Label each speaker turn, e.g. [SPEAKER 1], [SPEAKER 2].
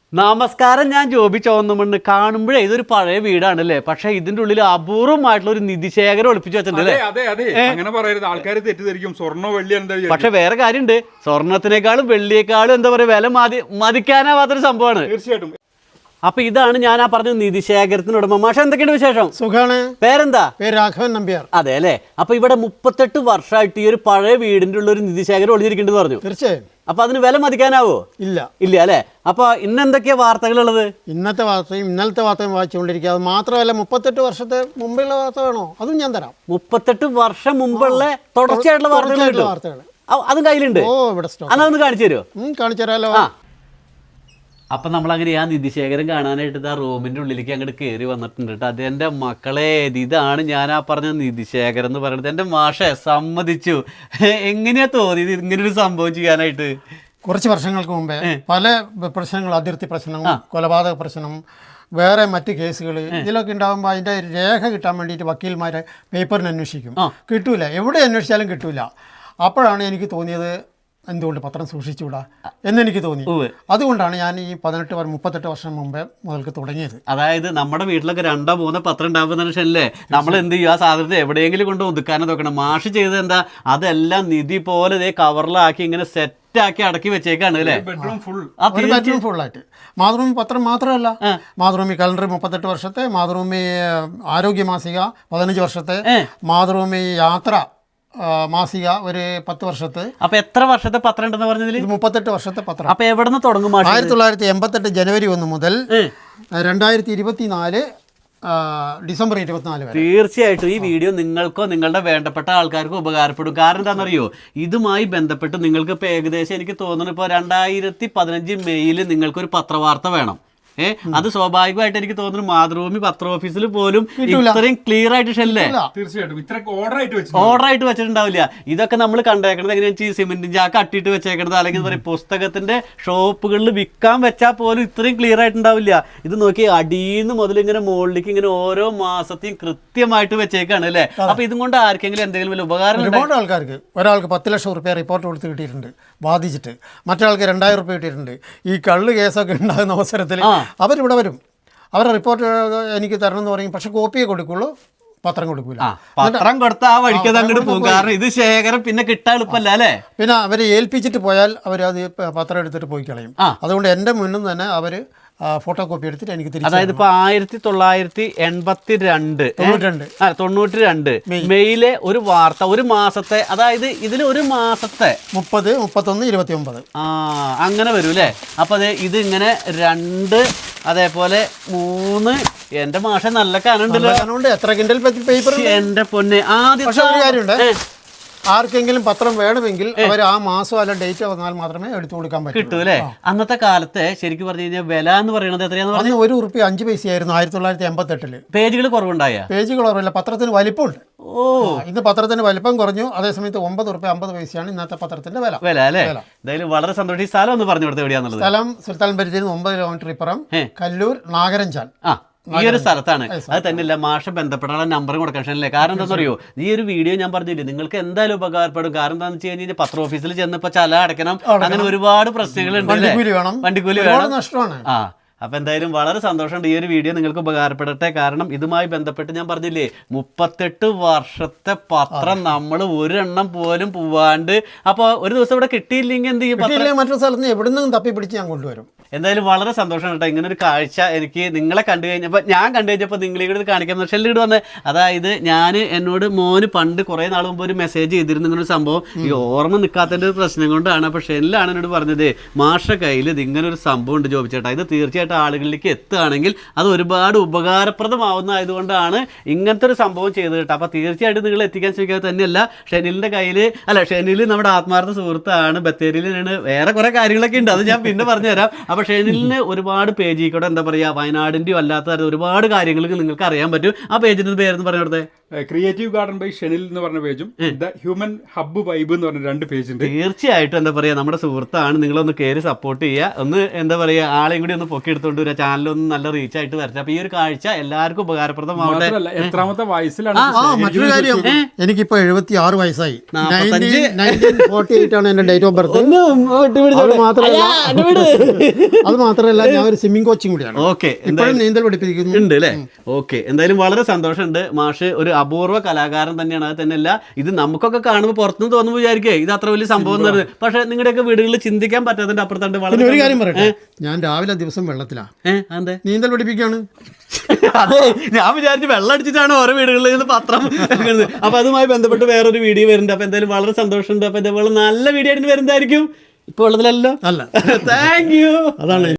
[SPEAKER 1] നമസ്കാരം, ഞാൻ ജോബി ചോന്നമണ്ണ്. കാണുമ്പോഴേ ഇതൊരു പഴയ വീടാണല്ലേ, പക്ഷെ ഇതിന്റെ ഉള്ളിൽ അപൂർവമായിട്ടുള്ള ഒരു നിധിശേഖരം ഒളിപ്പിച്ചു വെച്ചിട്ടുണ്ട്.
[SPEAKER 2] അങ്ങനെ പറയരുത്, ആൾക്കാർ തെറ്റിദ്ധരിക്കും. സ്വർണ്ണ വെള്ളി
[SPEAKER 1] പക്ഷെ വേറെ കാര്യമുണ്ട്, സ്വർണത്തിനേക്കാളും വെള്ളിയേക്കാളും എന്താ പറയുക, വില മതിക്കാനാവാത്തൊരു സംഭവമാണ്.
[SPEAKER 2] തീർച്ചയായിട്ടും.
[SPEAKER 1] അപ്പൊ ഇതാണ് ഞാൻ ആ പറഞ്ഞ നിധിശേഖരത്തിന് ഉടമ. മാഷ, എന്തൊക്കെയുണ്ട് വിശേഷം?
[SPEAKER 3] സുഖാണ്.
[SPEAKER 1] പേരെന്താ?
[SPEAKER 3] പേര് രാഘവൻ നമ്പ്യാർ.
[SPEAKER 1] അതെ അല്ലേ. അപ്പൊ ഇവിടെ 38 വർഷമായിട്ട് ഈ ഒരു പഴയ വീടിന്റെ ഉള്ള ഒരു നിധിശേഖരം ഒളിഞ്ഞിരിക്കേണ്ടത് പറഞ്ഞു.
[SPEAKER 3] തീർച്ചയായും.
[SPEAKER 1] അപ്പൊ അതിന് വില മതിക്കാനാവോ?
[SPEAKER 3] ഇല്ല
[SPEAKER 1] ഇല്ല അല്ലേ. അപ്പൊ ഇന്നെന്തൊക്കെയാ വാർത്തകളുള്ളത്?
[SPEAKER 3] ഇന്നത്തെ വാർത്തയും ഇന്നലത്തെ വാർത്തയും വായിച്ചുകൊണ്ടിരിക്കുക. അത് മാത്രമല്ല 38 വർഷത്തെ മുമ്പുള്ള വാർത്ത വേണോ? അതും ഞാൻ തരാം.
[SPEAKER 1] 38 വർഷം മുമ്പുള്ള തുടർച്ചയായിട്ടുള്ള വാർത്തകൾ അതും കയ്യിലുണ്ട്.
[SPEAKER 3] ഓ, ഇവിടെ
[SPEAKER 1] അതൊന്ന് കാണിച്ചു തരുമോ?
[SPEAKER 3] കാണിച്ചു തരാലോ.
[SPEAKER 1] അപ്പം നമ്മളങ്ങനെ ആ നിധിശേഖരം കാണാനായിട്ട് ആ റൂമിൻ്റെ ഉള്ളിലേക്ക് അങ്ങോട്ട് കയറി വന്നിട്ടുണ്ട് കേട്ടോ. അത് എൻ്റെ മക്കളെ, ഇതാണ് ഞാൻ ആ പറഞ്ഞ നിധിശേഖരം എന്ന് പറയുന്നത്. എൻ്റെ മാഷെ സമ്മതിച്ചു. എങ്ങനെയാ തോന്നിയത് ഇങ്ങനൊരു സംഭവം ചെയ്യാനായിട്ട്?
[SPEAKER 3] കുറച്ച് വർഷങ്ങൾക്ക് മുമ്പേ പല പ്രശ്നങ്ങൾ, അതിർത്തി പ്രശ്നം, കൊലപാതക പ്രശ്നം, വേറെ മറ്റ് കേസുകൾ ഇതിലൊക്കെ ഉണ്ടാകുമ്പോൾ അതിൻ്റെ രേഖ കിട്ടാൻ വേണ്ടിയിട്ട് വക്കീൽമാരെ പേപ്പറിന് അന്വേഷിക്കും. കിട്ടൂല, എവിടെ അന്വേഷിച്ചാലും കിട്ടൂല. അപ്പോഴാണ് എനിക്ക് തോന്നിയത്, എന്തുകൊണ്ട് പത്രം സൂക്ഷിച്ചുകൂടാ എന്നെനിക്ക് തോന്നി. അതുകൊണ്ടാണ് ഞാൻ ഈ 38 വർഷം മുമ്പേ മുതൽക്ക് തുടങ്ങിയത്.
[SPEAKER 1] അതായത് നമ്മുടെ വീട്ടിലൊക്കെ 2-3 പത്രം ഉണ്ടാകുന്ന മനുഷ്യനല്ലേ, നമ്മൾ എന്ത് ചെയ്യും, ആ സാധനത്തെ എവിടെയെങ്കിലും കൊണ്ട് ഒതുക്കാനോ നോക്കണം. മാഷ് ചെയ്തത് എന്താ, അതെല്ലാം നിധി പോലെ ഇതേ കവറിലാക്കി ഇങ്ങനെ സെറ്റാക്കി അടക്കി വെച്ചേക്കാണ് അല്ലേ?
[SPEAKER 2] ബെഡ്റൂം
[SPEAKER 3] ഫുള്ളായിട്ട്. മാതൃഭൂമി പത്രം മാത്രമല്ല, മാതൃഭൂമി കലണ്ടർ 38 വർഷത്തെ, മാതൃഭൂമി ആരോഗ്യ മാസിക 15 വർഷത്തെ, മാതൃഭൂമി യാത്ര മാസിക ഒരു 10 വർഷത്തെ.
[SPEAKER 1] അപ്പൊ എത്ര വർഷത്തെ പത്രം ഉണ്ടെന്ന് പറഞ്ഞതിൽ?
[SPEAKER 3] 38 വർഷത്തെ പത്രം.
[SPEAKER 1] അപ്പൊ എവിടെ നിന്ന് തുടങ്ങും?
[SPEAKER 3] 1988 ജനുവരി 1 മുതൽ 2024 ഡിസംബർ 24 വരെ.
[SPEAKER 1] തീർച്ചയായിട്ടും ഈ വീഡിയോ നിങ്ങൾക്കോ നിങ്ങളുടെ വേണ്ടപ്പെട്ട ആൾക്കാർക്കോ ഉപകാരപ്പെടും. കാരണം എന്താണെന്നറിയോ, ഇതുമായി ബന്ധപ്പെട്ട് നിങ്ങൾക്ക് ഇപ്പോൾ ഏകദേശം എനിക്ക് തോന്നുന്നു ഇപ്പോൾ 2015 മെയ്യിൽ നിങ്ങൾക്കൊരു പത്രവാർത്ത വേണം. അത് സ്വാഭാവികമായിട്ട് എനിക്ക് തോന്നുന്നു മാതൃഭൂമി പത്ര ഓഫീസിൽ പോലും ഇത്രയും ക്ലിയർ ആയിട്ട് ഷെല്ലേ ഓർഡർ ആയിട്ട് വെച്ചിട്ടുണ്ടാവില്ല. ഇതൊക്കെ നമ്മൾ കണ്ടേക്കണത് എങ്ങനെയാണെന്ന് വെച്ചാൽ സിമെന്റിൻ ചാക്ക് അട്ടിയിട്ട് വെച്ചേക്കണത്, അല്ലെങ്കിൽ പറയും പുസ്തകത്തിന്റെ ഷോപ്പുകളിൽ വിൽക്കാൻ വെച്ചാൽ പോലും ഇത്രയും ക്ലിയർ ആയിട്ടുണ്ടാവില്ല. ഇത് നോക്കി അടിയിന്ന് മുതൽ ഇങ്ങനെ മുകളിലേക്ക് ഇങ്ങനെ ഓരോ മാസത്തെയും കൃത്യമായിട്ട് വെച്ചേക്കാണ് അല്ലേ. അപ്പൊ ഇതും കൊണ്ട് ആർക്കെങ്കിലും എന്തെങ്കിലും വലിയ ഉപകാരം?
[SPEAKER 3] ഒരുപാട് ആൾക്കാർക്ക്, ഒരാൾക്ക് 10 ലക്ഷം റുപ്യ റിപ്പോർട്ട് കൊടുത്ത് കിട്ടിയിട്ടുണ്ട് ബാധിച്ചിട്ട്, മറ്റൊരാൾക്ക് 2000 റുപ്യ കിട്ടിയിട്ടുണ്ട്. ഈ കള്ള് കേസൊക്കെ ഉണ്ടാകുന്ന അവസരത്തിൽ അവരിവിടെ വരും, അവരുടെ റിപ്പോർട്ട് എനിക്ക് തരണം എന്ന് പറയും. പക്ഷെ കോപ്പിയെ കൊടുക്കുള്ളൂ, പത്രം കൊടുക്കൂല.
[SPEAKER 1] പത്രം കൊടുത്താൽ ആ വഴിക്കത് അങ്ങോട്ട് പോകും. കാരണം ഇത് ശേഖരം പിന്നെ കിട്ടാൻ എളുപ്പമല്ല അല്ലേ.
[SPEAKER 3] പിന്നെ അവരെ ഏൽപ്പിച്ചിട്ട് പോയാൽ അവരത് പത്രം എടുത്തിട്ട് പോയി കളയും. അതുകൊണ്ട് എൻ്റെ മുന്നിൽ തന്നെ അവർ ഫോട്ടോ കോപ്പി എടുത്തിട്ട് എനിക്ക് തിരിച്ചു.
[SPEAKER 1] അതായത് ഇപ്പോൾ 1992 മെയിലെ ഒരു വാർത്ത, ഒരു മാസത്തെ, അതായത് ഇതിൽ ഒരു മാസത്തെ
[SPEAKER 3] 30, 31, 29
[SPEAKER 1] അങ്ങനെ വരും അല്ലേ. അപ്പൊ അതെ, ഇത് ഇങ്ങനെ 2, അതേപോലെ 3. എന്റെ മാഷ നല്ല കനുണ്ടല്ലോ.
[SPEAKER 3] എത്ര കിൻഡൽ പേപ്പർ
[SPEAKER 1] എന്റെ പൊന്നെ. ആദ്യം
[SPEAKER 3] പക്ഷെ ഒരു കാര്യമുണ്ട്, ആർക്കെങ്കിലും പത്രം വേണമെങ്കിൽ അവർ ആ മാസം അല്ല ഡേറ്റ് വന്നാൽ മാത്രമേ എടുത്തു കൊടുക്കാൻ പറ്റൂ.
[SPEAKER 1] കിട്ടൂ അല്ലേ. അന്നത്തെ കാലത്തെ ശരിക്കും പറഞ്ഞു കഴിഞ്ഞാൽ വില എന്ന് പറയുന്നത് എത്രയാന്ന് പറഞ്ഞു?
[SPEAKER 3] ₹1.05 1988.
[SPEAKER 1] പേജുകൾ കുറവുണ്ടായ?
[SPEAKER 3] പേജുകൾ കുറവില്ല, പത്രത്തിന് വലിപ്പമുണ്ട്. ഇന്ന് പത്രത്തിന് വലിപ്പം കുറഞ്ഞു. അതേസമയത്ത് ₹9.50 ഇന്നത്തെ പത്രത്തിന്റെ വില
[SPEAKER 1] അല്ലേ. എന്തായാലും വളരെ സന്തോഷം. ഈ സ്ഥലം ഒന്ന് പറഞ്ഞു കൊടുത്തത് എവിടെയാന്നുള്ളത്?
[SPEAKER 3] സ്ഥലം സുൽത്താൻ ബത്തേരിയിൽ 9 കിലോമീറ്റർ ഇപ്പുറം കല്ലൂർ നാഗരഞ്ചാൽ.
[SPEAKER 1] ഈ ഒരു സ്ഥലത്താണ്. അത് തന്നെയല്ല, മാഷ ബന്ധപ്പെടാനുള്ള നമ്പർ കൊടുക്കണല്ലേ. കാരണം എന്താണെന്ന് അറിയോ, ഈ ഒരു വീഡിയോ ഞാൻ പറഞ്ഞില്ലേ, നിങ്ങൾക്ക് എന്തായാലും ഉപകാരപ്പെടും. കാരണം എന്താണെന്ന് വെച്ച് കഴിഞ്ഞാൽ പത്ര ഓഫീസിൽ ചെന്നപ്പോൾ ചല അടയ്ക്കണം, അങ്ങനെ ഒരുപാട് പ്രശ്നങ്ങളുണ്ട്. വണ്ടിക്കൂലി വേണം,
[SPEAKER 3] നഷ്ടമാണ്.
[SPEAKER 1] അപ്പം എന്തായാലും വളരെ സന്തോഷമുണ്ട്. ഈ ഒരു വീഡിയോ നിങ്ങൾക്ക് ഉപകാരപ്പെടട്ടെ. കാരണം ഇതുമായി ബന്ധപ്പെട്ട് ഞാൻ പറഞ്ഞില്ലേ, 38 വർഷത്തെ പത്രം നമ്മൾ ഒരെണ്ണം പോലും പോവാണ്ട്. അപ്പോൾ ഒരു ദിവസം ഇവിടെ കിട്ടിയില്ലെങ്കിൽ എന്ത് ചെയ്യും?
[SPEAKER 3] മറ്റൊരു സ്ഥലത്ത് നിന്ന് എവിടെ നിന്നും തപ്പി പിടിച്ച് ഞാൻ കൊണ്ടുവരും.
[SPEAKER 1] എന്തായാലും വളരെ സന്തോഷമാണ് കേട്ടോ. ഇങ്ങനെ ഒരു കാഴ്ച എനിക്ക് നിങ്ങളെ കണ്ടു കഴിഞ്ഞപ്പോൾ, ഞാൻ കണ്ടു കഴിഞ്ഞപ്പോൾ നിങ്ങളിവിടെ കാണിക്കാൻ ഷെല്ലിട്ട് വന്ന്. അതായത് എന്നോട് മോന് പണ്ട് കുറേ നാൾ മുമ്പ് ഒരു മെസ്സേജ് ചെയ്തിരുന്നു ഇങ്ങനൊരു സംഭവം. ഈ ഓർമ്മ നിൽക്കാത്തതിൻ്റെ ഒരു പ്രശ്നം കൊണ്ടാണ്. അപ്പോൾ ഷെല്ലാണ് എന്നോട് പറഞ്ഞത്, മാഷ കയ്യിൽ ഇങ്ങനൊരു സംഭവം ഉണ്ട് ജോബിച്ചേട്ടാ, ഇത് തീർച്ചയായിട്ടും ആളുകളിലേക്ക് എത്തുകയാണെങ്കിൽ അത് ഒരുപാട് ഉപകാരപ്രദമാവുന്നതായതുകൊണ്ടാണ് ഇങ്ങനത്തെ ഒരു സംഭവം ചെയ്തത് കേട്ടോ. അപ്പോൾ തീർച്ചയായിട്ടും നിങ്ങൾ എത്തിക്കാൻ ശ്രമിക്കാതെ തന്നെയല്ല, ഷെനിലിൻ്റെ കയ്യിൽ ഷെനിൽ നമ്മുടെ ആത്മാർത്ഥ സുഹൃത്താണ്, ബത്തേരിയിലാണ്, വേറെ കുറേ കാര്യങ്ങളൊക്കെ ഉണ്ട്, അത് ഞാൻ പിന്നെ പറഞ്ഞുതരാം. അപ്പോൾ ഷെനിലിന് ഒരുപാട് പേജിൽ കൂടെ എന്താ പറയുക, വയനാടിൻ്റെയോ അല്ലാത്ത ഒരുപാട് കാര്യങ്ങൾ നിങ്ങൾക്ക് അറിയാൻ പറ്റും. ആ പേജിൻ്റെ പേരെന്ന് പറഞ്ഞു കൊടുത്തേ.
[SPEAKER 2] ക്രിയേറ്റീവ് ഗാർഡൻ ബൈ ഷെനിൽ എന്ന് പറഞ്ഞ പേജും ദ ഹ്യൂമൻ ഹബ്ബ് വൈബ് എന്ന് പറഞ്ഞ 2 പേജുണ്ട്.
[SPEAKER 1] തീർച്ചയായിട്ടും എന്താ പറയുക, നമ്മുടെ സുഹൃത്താണ്, നിങ്ങളൊന്ന് കയറി സപ്പോർട്ട് ചെയ്യുക. ഒന്ന് എന്താ പറയുക, ആളെയും കൂടി ഒന്ന് പൊക്കി എടുത്തുകൊണ്ട് വരിക, ചാനലൊന്നും നല്ല റീച്ച് ആയിട്ട് വരട്ടെ. അപ്പോൾ ഈ ഒരു കാഴ്ച എല്ലാവർക്കും ഉപകാരപ്രദമാവട്ടെ.
[SPEAKER 2] എത്രാമത്തെ വയസ്സിലാണ്?
[SPEAKER 3] മറ്റൊരു കാര്യം, എനിക്കിപ്പോൾ 76 വയസ്സായി. 1948 ആണ് എൻ്റെ ഡേറ്റ് ഓഫ് ബർത്ത്. മാത്രമല്ല അത് മാത്രമല്ല ഞാൻ ഒരു സ്വിമ്മിംഗ് കോച്ചിങ് കൂടിയാണ്.
[SPEAKER 1] ഓക്കെ,
[SPEAKER 3] ഇപ്പോഴും നീന്തൽ പഠിപ്പിക്കുന്നു.
[SPEAKER 1] ഉണ്ട് അല്ലേ? ഓക്കെ, എന്തായാലും വളരെ സന്തോഷമുണ്ട്. മാഷ് ഒരു അപൂർവ കലാകാരൻ തന്നെയാണ്. അത് തന്നെയല്ല, ഇത് നമുക്കൊക്കെ കാണുമ്പോൾ പുറത്തുനിന്ന് തോന്നുമ്പോൾ വിചാരിക്കേ ഇത് അത്ര വലിയ സംഭവം എന്ന് പറയുന്നത്. പക്ഷെ നിങ്ങളുടെയൊക്കെ വീടുകളിൽ ചിന്തിക്കാൻ പറ്റാത്തതിന്റെ അപ്പുറത്തുണ്ട്.
[SPEAKER 3] പിന്നെ ഒരു കാര്യം പറയട്ടെ, ഞാൻ രാവിലെ ദിവസം വെള്ളത്തിലാണ്
[SPEAKER 1] അതെ
[SPEAKER 3] നീന്തൽ പഠിപ്പിക്കുകയാണ്.
[SPEAKER 1] അതെ, ഞാൻ വിചാരിച്ചു വെള്ളം അടിച്ചിട്ടാണ് ഓരോ വീടുകളിൽ നിന്ന് പത്രം. അപ്പൊ അതുമായി ബന്ധപ്പെട്ട് വേറൊരു വീഡിയോ വരുന്നുണ്ട്. അപ്പൊ എന്തായാലും വളരെ സന്തോഷമുണ്ട്. അപ്പൊ ഇതേപോലെ നല്ല വീഡിയോ ആയിട്ട് വരുന്നതായിരിക്കും. ഇപ്പൊ ഉള്ളതിലല്ലോ.
[SPEAKER 3] അല്ല,
[SPEAKER 1] താങ്ക് യു.
[SPEAKER 3] അതാണ്